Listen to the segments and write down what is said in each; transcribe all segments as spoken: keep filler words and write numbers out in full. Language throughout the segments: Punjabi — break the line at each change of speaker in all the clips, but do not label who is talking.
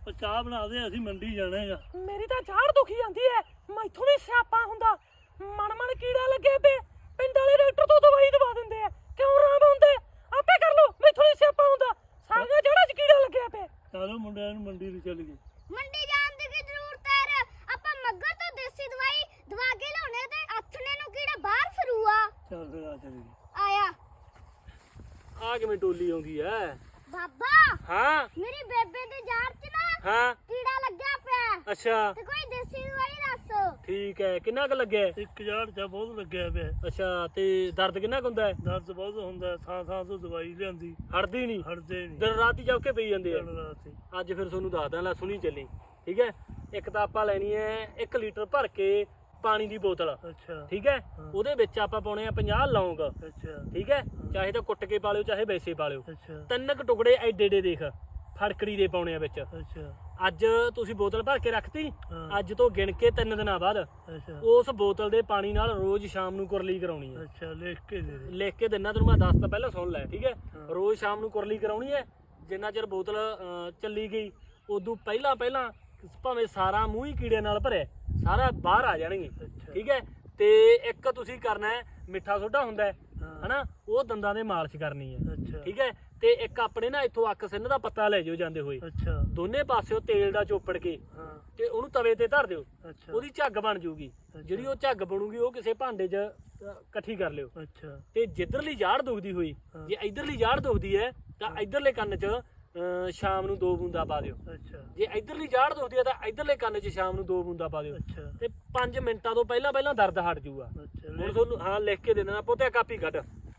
ਚਾਹ ਬਣਾ ਦੇ, ਅਸੀਂ ਮੰਡੀ ਜਾਣਾ ਹੈਗਾ।
ਮੇਰੀ ਤਾਂ ਝਾੜ ਦੁਖੀ ਜਾਂਦੀ ਐ, ਮੈਥੋਂ ਨਹੀਂ ਸਿਆਪਾ ਹੁੰਦਾ। ਮਨ ਮਨ ਕੀੜਾ ਲੱਗਿਆ ਪਏ, ਪਿੰਡ ਵਾਲੇ ਡਾਕਟਰ ਤੋਂ ਦਵਾਈ ਦਵਾ ਦਿੰਦੇ ਆ, ਕਿਉਂ ਆਰਾਮ ਹੁੰਦੇ? ਆਪੇ ਕਰ ਲੋ, ਮੈਥੋਂ ਨਹੀਂ ਸਿਆਪਾ ਹੁੰਦਾ। ਸਾਰੀਆਂ ਜੜ੍ਹਾਂ 'ਚ ਕੀੜਾ ਲੱਗਿਆ ਪਿਆ।
ਚਲੋ ਮੁੰਡਿਆਂ ਨੂੰ ਮੰਡੀ ਨੂੰ ਚੱਲ ਗਏ।
ਮੰਡੀ ਜਾਣ ਦੀ ਕੀ ਜ਼ਰੂਰਤ ਹੈ? ਆਪਾਂ ਮੱਗਰ ਤੋਂ ਦੇਸੀ ਦਵਾਈ ਦਵਾ ਕੇ ਲਿਆਉਣੇ ਤੇ ਆਥਣੇ ਨੂੰ ਕੀੜਾ ਬਾਹਰ ਫਿਰੂਆ।
ਚੱਲ ਫਿਰ ਆ ਚੱਲ ਗਏ।
ਆਇਆ
ਆ ਕਿਵੇਂ ਟੋਲੀ ਆਉਂਦੀ ਐ?
ਬਾਬਾ,
ਹਾਂ
ਮੇਰੀ ਬੇਬੇ ਦੇ ਜਾੜ 'ਚ ਨਾ
ਹਾਂ
ਕੀੜਾ ਲੱਗਿਆ ਪਿਆ
ਅੱਛਾ
ਤੇ ਕੋਈ ਦੇਸੀ ਦਵਾਈ ਦੱਸ।
ਠੀਕ ਹੈ। ਕਿੰਨਾ ਕੁ ਲੱਗਿਆ?
ਇੱਕ ਹਜ਼ਾਰ ਚ ਬਹੁਤ ਲੱਗਿਆ ਪਿਆ।
ਅੱਛਾ ਤੇ ਦਰਦ ਕਿੰਨਾ ਕੁ ਹੁੰਦਾ ਹੈ?
ਦਰਦ ਬਹੁਤ ਹੁੰਦਾ, ਥਾਂ ਥਾਂ ਤੋਂ ਦਵਾਈ ਲਿਆਂਦੀ,
ਹਟਦੀ ਨਹੀਂ,
ਹਟਦੇ ਨਹੀਂ।
ਦਿਨ ਰਾਤ ਹੀ ਚੌਕੇ ਪਈ ਜਾਂਦੇ ਆ।
ਦਿਨ ਰਾਤ ਹੀ।
ਅੱਜ ਫਿਰ ਤੁਹਾਨੂੰ ਦੱਸਦਾ, ਲੈ ਸੁਣੀ ਚੱਲੀ। ਠੀਕ ਹੈ, ਇੱਕ ਤਾਂ ਆਪਾਂ ਲੈਣੀ ਹੈ ਇੱਕ ਲੀਟਰ ਭਰ ਕੇ ਪਾਣੀ ਦੀ ਬੋਤਲ।
ਅੱਛਾ
ਠੀਕ ਹੈ, ਉਹਦੇ ਵਿੱਚ ਆਪਾਂ ਪਾਉਣੇ ਆ ਪੰਜਾਹ ਲੌਂਗ।
ਅੱਛਾ
ਠੀਕ ਹੈ, ਚਾਹੇ ਤਾਂ ਕੁੱਟ ਕੇ ਪਾ ਲਿਓ ਚਾਹੇ ਵੈਸੇ ਪਾ ਲਿਓ।
ਅੱਛਾ
ਤਿੰਨ ਕੁ ਟੁਕੜੇ ਐਡੇ ਐਡੇ ਦੇਖ ਫੜਕੜੀ ਦੇ ਪਾਉਣੇ ਆ ਵਿੱਚ।
ਅੱਛਾ
ਅੱਜ ਤੁਸੀਂ ਬੋਤਲ ਭਰ ਕੇ ਰੱਖਤੀ,
ਹਾਂ।
ਅੱਜ ਤੋਂ ਗਿਣ ਕੇ ਤਿੰਨ ਦਿਨਾਂ ਬਾਅਦ
ਅੱਛਾ
ਉਸ ਬੋਤਲ ਦੇ ਪਾਣੀ ਨਾਲ ਰੋਜ਼ ਸ਼ਾਮ ਨੂੰ ਕੁਰਲੀ ਕਰਾਉਣੀ ਹੈ।
ਅੱਛਾ ਲਿਖ ਕੇ ਦੇ ਦੇ।
ਲਿਖ ਕੇ ਦਿਨਾ ਤੈਨੂੰ ਮੈਂ ਦੱਸ ਤਾਂ ਪਹਿਲਾਂ ਸੁਣ ਲੈ। ਠੀਕ ਹੈ,
ਹਾਂ।
ਰੋਜ਼ ਸ਼ਾਮ ਨੂੰ ਕੁਰਲੀ ਕਰਾਉਣੀ ਹੈ। ਜਿੰਨਾ ਚਿਰ ਬੋਤਲ ਅਹ, ਚੱਲੀ ਗਈ ਉਦੋਂ ਪਹਿਲਾਂ ਪਹਿਲਾਂ ਭਾਵੇਂ ਸਾਰਾ ਮੂੰਹ ਹੀ ਕੀੜੇ ਨਾਲ ਭਰਿਆ, ਸਾਰਾ ਬਾਹਰ ਆ ਜਾਣਗੇ।
ਅੱਛਾ
ਠੀਕ ਹੈ, ਤੇ ਇੱਕ ਤੁਸੀਂ ਕਰਨਾ ਹੈ ਮਿੱਠਾ ਸੋਡਾ ਹੁੰਦਾ ਹੈ
ਹਾਂ।
ਹਨਾ, ਉਹ ਦੰਦਾਂ ਦੇ ਮਾਲਿਸ਼ ਕਰਨੀ ਹੈ।
ਅੱਛਾ
ਠੀਕ ਹੈ, ਤੇ ਇੱਕ ਆਪਣੇ ਨਾ ਇੱਥੋਂ ਅੱਕ ਸਿੰਨ ਦਾ ਪੱਤਾ ਲੈ ਜਿਓ ਜਾਂਦੇ ਹੋਏ,
ਅੱਛਾ
ਦੋਨੇ ਪਾਸਿਓਂ ਤੇਲ ਦਾ ਚੋਪੜ ਕੇ
ਹਾਂ।
ਤੇ ਉਹਨੂੰ ਤਵੇ ਤੇ ਧਰ ਦਿਓ।
ਅੱਛਾ
ਉਹਦੀ ਝੱਗ ਬਣ ਜੂਗੀ। ਜਿਹੜੀ ਉਹ ਝੱਗ ਬਣੂਗੀ ਉਹ ਕਿਸੇ ਭਾਂਡੇ 'ਚ ਅਹ, ਇਕੱਠੀ ਕਰ ਲਿਓ।
ਅੱਛਾ
ਤੇ ਜਿੱਧਰਲੀ ਜਾੜ ਦੁਖਦੀ ਹੋਈ,
ਹਾਂ।
ਜੇ ਇਧਰਲੀ ਜਾੜ ਦੁਖਦੀ ਹੈ ਤਾਂ ਇਧਰਲੇ ਕੰਨ 'ਚ ਅਹ, ਸ਼ਾਮ ਨੂੰ ਦੋ ਬੂੰਦਾਂ ਪਾ ਦਿਓ।
ਅੱਛਾ
ਜੇ ਇਧਰਲੀ ਜਾੜ ਦੁਖਦੀ ਹੈ ਤਾਂ ਇਧਰਲੇ ਕੰਨ 'ਚ ਸ਼ਾਮ ਨੂੰ ਦੋ ਬੂੰਦਾਂ ਪਾ ਦਿਓ।
ਅੱਛਾ
ਤੇ ਪੰਜ ਮਿੰਟਾਂ ਤੋਂ ਪਹਿਲਾਂ ਪਹਿਲਾਂ ਦਰਦ ਹਟ ਜਾਊਗਾ।
ਅੱਛਾ
ਹੁਣ
ਲਿਖ-
ਤੁਹਾਨੂੰ ਹਾਂ ਲਿਖ ਕੇ ਦੇ ਦੇਣਾ, ਪੋਤੇ ਕਾਪੀ ਕੱਢ।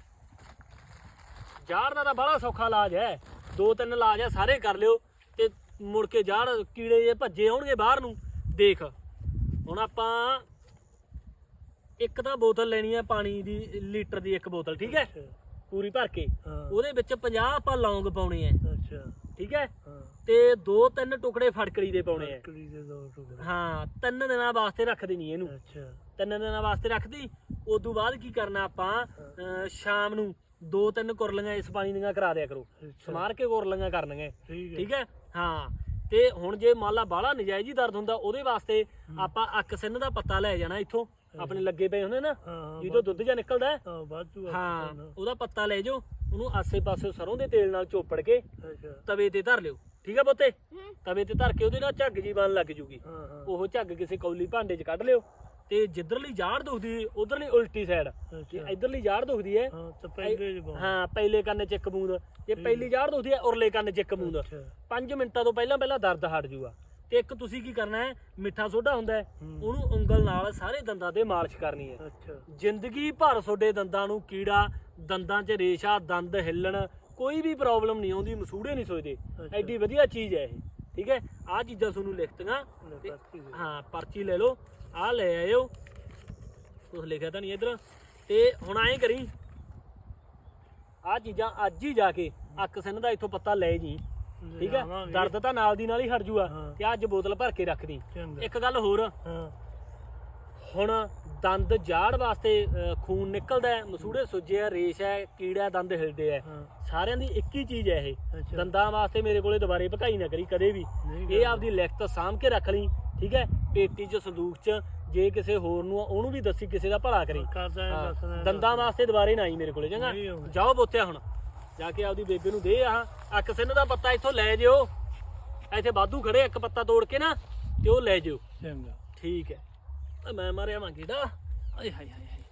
ਜਾੜ ਦਾ ਤਾਂ ਬੜਾ ਸੌਖਾ ਇਲਾਜ ਹੈ, ਦੋ ਤਿੰਨ ਇਲਾਜ ਹੈ, ਸਾਰੇ ਕਰ ਲਿਓ ਤੇ ਮੁੜ ਕੇ ਜਾੜ ਕੀੜੇ ਜੇ ਭੱਜੇ ਆਉਣਗੇ ਬਾਹਰ ਨੂੰ। ਦੇਖ ਹੁਣ ਆਪਾਂ ਇੱਕ ਤਾਂ ਬੋਤਲ ਲੈਣੀ ਹੈ ਪਾਣੀ ਦੀ, ਲੀਟਰ ਦੀ ਇੱਕ ਬੋਤਲ। ਠੀਕ ਹੈ,
ਅੱਛਾ,
ਪੂਰੀ ਭਰ ਕੇ
ਹਾਂ।
ਉਹਦੇ ਵਿੱਚ ਪੰਜਾਹ ਆਪਾਂ ਲੌਂਗ ਪਾਉਣੇ ਆ।
ਅੱਛਾ
ਠੀਕ ਹੈ,
ਹਾਂ।
ਤੇ ਦੋ ਤਿੰਨ ਟੁਕੜੇ ਫੜਕੜੀ ਦੇ ਪਾਉਣੇ ਆ।
ਲੱਕੜੀ ਦੇ ਦੋ ਟੁਕੜੇ।
ਹਾਂ, ਤਿੰਨ ਦਿਨਾਂ ਵਾਸਤੇ ਰੱਖ ਦੇਣੀ ਇਹਨੂੰ।
ਅੱਛਾ
ਤਿੰਨ ਦਿਨਾਂ ਵਾਸਤੇ ਰੱਖਦੀ। ਉਦੋਂ ਬਾਅਦ ਕੀ ਕਰਨਾ ਆਪਾਂ, ਅਹ ਸ਼ਾਮ ਨੂੰ ਦੋ ਤਿੰਨ ਕੁਰਲੀਆਂ ਇਸ ਪਾਣੀ ਦੀਆਂ ਕਰਾ ਦਿਆ ਕਰੋ,
ਅੱਛਾ
ਸਮਾਰ ਕੇ ਕੁਰਲੀਆਂ ਕਰਨੀਆਂ।
ਠੀਕ ਹੈ।
ਠੀਕ ਹੈ, ਹਾਂ। ਤੇ ਹੁਣ ਜੇ ਮੰਨ ਲਾ ਬਾਹਲਾ ਨਜਾਇਜ਼ ਹੀ ਦਰਦ ਹੁੰਦਾ, ਉਹਦੇ ਵਾਸਤੇ ਆਪਾਂ ਅੱਕ ਸਿੰਨ ਦਾ ਪੱਤਾ ਲੈ ਜਾਣਾ ਇੱਥੋਂ, ਆਪਣੇ ਲੱਗੇ ਪਏ ਹੁੰਦੇ ਨਾ
ਹਾਂ
ਜਿਹਦੋਂ ਦੁੱਧ ਜਾਂ ਨਿਕਲਦਾ ਹੈ।
ਹਾਂ ਵਾਧੂ ਆ।
ਹਾਂ, ਉਹਦਾ ਪੱਤਾ ਲੈ ਜਾਓ, ਉਹਨੂੰ ਆਸੇ ਪਾਸੇ ਸਰੋਂ ਦੇ ਤੇਲ ਨਾਲ ਚੋਪੜ ਕੇ
ਅੱਛਾ
ਤਵੇ ਤੇ ਧਰ ਲਿਓ। ਠੀਕ ਹੈ ਪੁੱਤੇ,
ਹੂੰ।
ਤਵੇ ਤੇ ਧਰ ਕੇ ਉਹਦੇ ਨਾਲ ਝੱਗ ਜੀ ਬਣ ਲੱਗ ਜੂਗੀ।
ਹਾਂ ਹਾਂ
ਉਹ ਝੱਗ ਕਿਸੇ ਕੌਲੀ ਭਾਂਡੇ 'ਚ ਕੱਢ ਲਿਓ। ਤੇ ਜਿੱਧਰਲੀ ਜਾੜ ਦੁਖਦੀ ਉਧਰਲੀ ਉਲਟੀ ਸਾਈਡ, ਜੇ
ਅੱਛਾ
ਇਧਰਲੀ ਜਾੜ ਦੁਖਦੀ ਹੈ
ਹਾਂ ਤਾਂ ਪਹਿਲੇ ਜਵਾਬ।
ਹਾਂ ਪਹਿਲੇ ਕੰਨ 'ਚ ਇੱਕ ਬੂੰਦ, ਜੇ ਪਹਿਲੀ ਜਾੜ ਦੁਖਦੀ ਹੈ ਉਰਲੇ ਕੰਨ 'ਚ ਇੱਕ ਬੂੰਦ।
ਅੱਛਾ
ਪੰਜ ਮਿੰਟਾਂ ਤੋਂ ਪਹਿਲਾਂ ਪਹਿਲਾਂ ਦਰਦ ਹਟ ਜੂਗਾ। ਤੇ ਇੱਕ ਤੁਸੀਂ ਕੀ ਕਰਨਾ ਹੈ, ਮਿੱਠਾ ਸੋਡਾ ਹੁੰਦਾ ਹੈ,
ਹੂੰ।
ਉਹਨੂੰ ਉਂਗਲ ਨਾਲ ਸਾਰੇ ਦੰਦਾਂ ਤੇ ਮਾਲਿਸ਼ ਕਰਨੀ ਹੈ।
ਅੱਛਾ
ਜ਼ਿੰਦਗੀ ਭਰ ਤੁਹਾਡੇ ਦੰਦਾਂ ਨੂੰ ਕੀੜਾ, ਦੰਦਾਂ 'ਚ ਰੇਸ਼ਾ, ਦੰਦ ਹਿੱਲਣ, ਕੋਈ ਵੀ ਪ੍ਰੋਬਲਮ ਨਹੀਂ ਆਉਂਦੀ, ਮਸੂੜੇ ਨਹੀਂ ਸੋਚਦੇ।
ਅੱਛਾ।
ਐਡੀ ਵਧੀਆ ਚੀਜ਼ ਹੈ ਇਹ। ਠੀਕ ਹੈ, ਆਹ ਚੀਜ਼ਾਂ ਤੁਹਾਨੂੰ ਲਿਖਤੀਆਂ ਤੇ
ਪਰਚੀ ਦੇ।
ਹਾਂ ਪਰਚੀ ਲੈ ਲਓ, ਆਹ ਲੈ ਆਇਓ। ਕੁਛ ਲਿਖਿਆ ਤਾਂ ਨਹੀਂ ਇੱਧਰ। ਤੇ ਹੁਣ ਐਂ ਕਰੀ, ਆਹ ਚੀਜ਼ਾਂ ਅੱਜ ਹੀ ਜਾ ਕੇ ਅੱਕ ਸਿੰਨ ਦਾ ਇੱਥੋਂ ਪੱਤਾ ਲੈ ਜੀ। ਠੀਕ ਹੈ,
ਲਿਆਵਾਂਗੇ।
ਦਰਦ ਤਾਂ ਨਾਲ ਦੀ ਨਾਲ ਹੀ ਹਟ ਜੂਗਾ।
ਹਾਂ।
ਤੇ ਅੱਜ ਬੋਤਲ ਭਰ ਕੇ ਰੱਖ ਦੀ।
ਚੰਗਾ।
ਇੱਕ ਗੱਲ ਹੋਰ,
ਹਾਂ
ਹੁਣ ਦੰਦ ਜਾੜ ਵਾਸਤੇ ਅਹ, ਖੂਨ ਨਿਕਲਦਾ ਹੈ, ਮਸੂੜੇ ਸੁੱਜੇ ਆ, ਰੇਸ਼ ਹੈ, ਕੀੜਾ, ਦੰਦ ਹਿਲਦੇ ਆ,
ਹਾਂ
ਸਾਰਿਆਂ ਦੀ ਇੱਕ ਹੀ ਚੀਜ਼ ਹੈ ਇਹ।
ਅੱਛਾ।
ਦੰਦਾਂ ਵਾਸਤੇ ਮੇਰੇ ਕੋਲੇ ਦੁਬਾਰੇ ਭਕਾਈ ਨਾ ਕਰੀ ਕਦੇ ਵੀ।
ਨਹੀਂ
ਇਹ ਆਪਦੀ ਲਿਖਤ ਸਾਂਭ ਕੇ ਰੱਖ ਲਈ। ਠੀਕ ਹੈ, ਪੇਟੀ 'ਚ, ਸੰਦੂਕ 'ਚ, ਜੇ ਕਿਸੇ ਹੋਰ ਨੂੰ ਆ, ਉਹਨੂੰ ਵੀ ਦੱਸੀ, ਕਿਸੇ ਦਾ ਭਲਾ ਕਰੀ।
ਕਰਦਾ ਹੈ,
ਹਾਂ,
ਦੱਸਦਾ ਹੈ।
ਦੰਦਾਂ ਵਾਸਤੇ ਦੁਬਾਰੇ ਨਾ ਆਈ ਮੇਰੇ ਕੋਲੇ, ਚੰਗਾ।
ਨਹੀਂ ਆਉਂਦਾ।
ਜਾਓ ਬੋਤਿਆ, ਹੁਣ ਜਾ ਕੇ ਆਪਦੀ ਬੇਬੇ ਨੂੰ ਦੇ ਆਹ ਅੱਕ ਸਿੰਨ ਦਾ ਪੱਤਾ ਇੱਥੋਂ ਲੈ ਜਿਓ। ਇੱਥੇ ਵਾਧੂ ਖੜੇ, ਇੱਕ ਪੱਤਾ ਤੋੜ ਕੇ ਨਾ ਤੇ ਉਹ ਲੈ ਜਿਓ।
ਚੰਗਾ।
ਠੀਕ ਹੈ, ਤਾਂ ਮੈਂ ਮਾਰਿਆ ਵਾਂ ਕੀੜਾ। ਆਏ ਹਾਏ ਹਾਏ ਹਾਏ।